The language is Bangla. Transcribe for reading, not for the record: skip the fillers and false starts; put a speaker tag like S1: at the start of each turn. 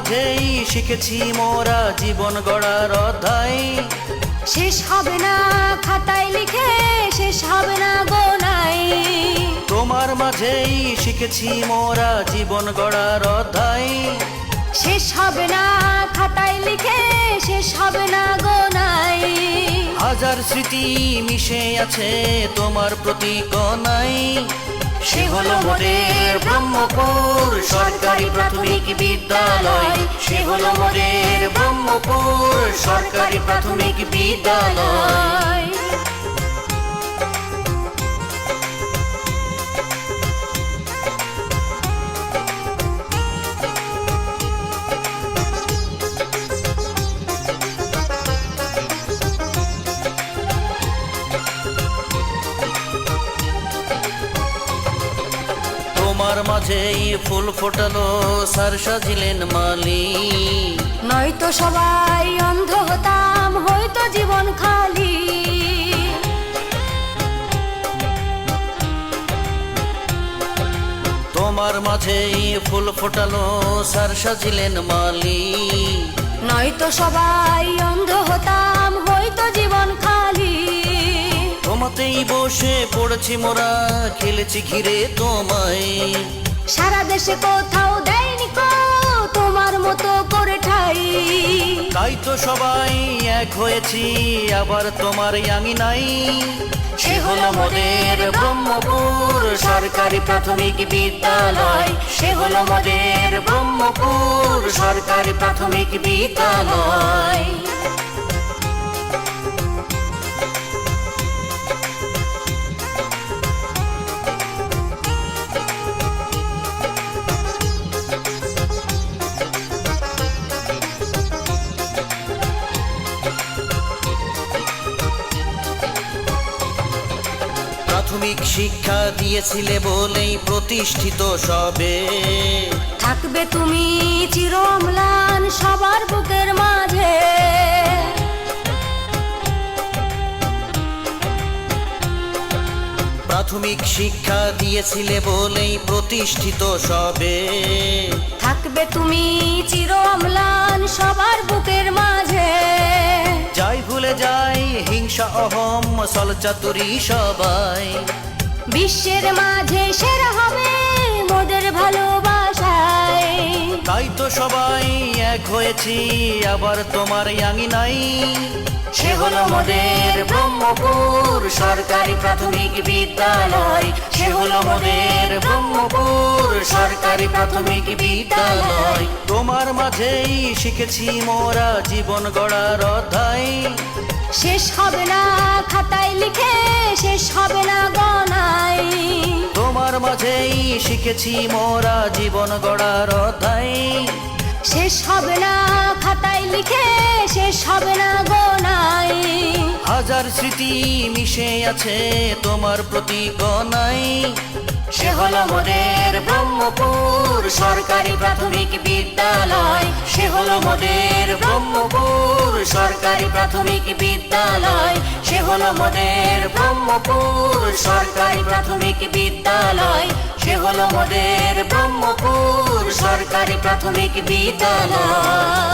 S1: মাঝেই শিখেছি মোরা জীবন গড়ার অধ্যায়।
S2: শেষ হবে না খাতায় লিখে, শেষ হবে না গোনায়।
S1: তোমার মাঝেই শিখেছি মোরা জীবন গড়ার অধ্যায়।
S2: শেষ হবে না খাতায় লিখে, শেষ হবে না গোনায়।
S1: হাজার স্মৃতি মিশে আছে তোমার প্রতি কণায়। সে হলো মোদের ব্রহ্মপুর সরকারি প্রাথমিক বিদ্যালয়। সে হলো মোদের ব্রহ্মপুর সরকারি প্রাথমিক বিদ্যালয়। তোমার মাঝেই ফুল ফোটালো স্যার সাজিলেন মালি।
S2: নয়তো সবাই অন্ধ হতাম, হয়তো জীবন খালি।
S1: তোমার মাঝেই ফুল ফোটালো স্যার সাজিলেন মালি।
S2: নয়তো সবাই অন্ধ হতাম, হয়তো জীবন খালি।
S1: তোমাতেই বসে পড়েছি মোরা, খেলেছি ঘিরে তোমায়।
S2: সারা দেশে কোথাও দেয়নি কো তোমার মতো করে ঠাই।
S1: তাই তো সবাই এক হয়েছি আবার তোমার আঙিনাই। সে হলো মোদের ব্রহ্মপুর সরকারি প্রাথমিক বিদ্যালয়। সে হলো মোদের ব্রহ্মপুর সরকারি প্রাথমিক বিদ্যালয়। প্রাথমিক শিক্ষা দিয়েছিলে বলেই প্রতিষ্ঠিত সবে।
S2: থাকবে তুমি চির অম্লান সবার বুকের মাঝে।
S1: প্রাথমিক শিক্ষা দিয়েছিলে বলেই প্রতিষ্ঠিত সবে।
S2: থাকবে তুমি চির অম্লান সবার বুকের মাঝে।
S1: যাই ভুলে যাই হিংসা অহম ছলচাতুরি সবাই।
S2: বিশ্বের মাঝে সেরা হবে মোদের ভালোবাসায়।
S1: তাই তো সবাই এক হয়েছি আবার তোমার আঙিনাই। সে হলো মোদের ব্রহ্মপুর সরকারি প্রাথমিক বিদ্যালয়। সে হলো মোদের ব্রহ্মপুর সরকারি প্রাথমিক বিদ্যালয়। তোমার মাঝেই শিখেছি মোরা জীবন গড়ার অধ্যায়।
S2: শেষ হবে না খাতায় লিখে, শেষ হবে না গণায়।
S1: তোমার মাঝেই শিখেছি মোরা জীবন গড়ার অধ্যায়।
S2: শেষ হবে না খাতায় লিখে, শেষ হবে না গোনায়।
S1: হাজার স্মৃতি মিশে আছে তোমার প্রতি কণায়। সে হলো মোদের ব্রহ্মপুর সরকারি প্রাথমিক বিদ্যালয়। সে হলো মোদের ব্রহ্মপুর সরকারি প্রাথমিক বিদ্যালয়। সে হলো মোদের ব্রহ্মপুর সরকারি প্রাথমিক বিদ্যালয়। সে হলো মোদের ব্রহ্মপুর সরকারি প্রাথমিক বিদ্যালয়।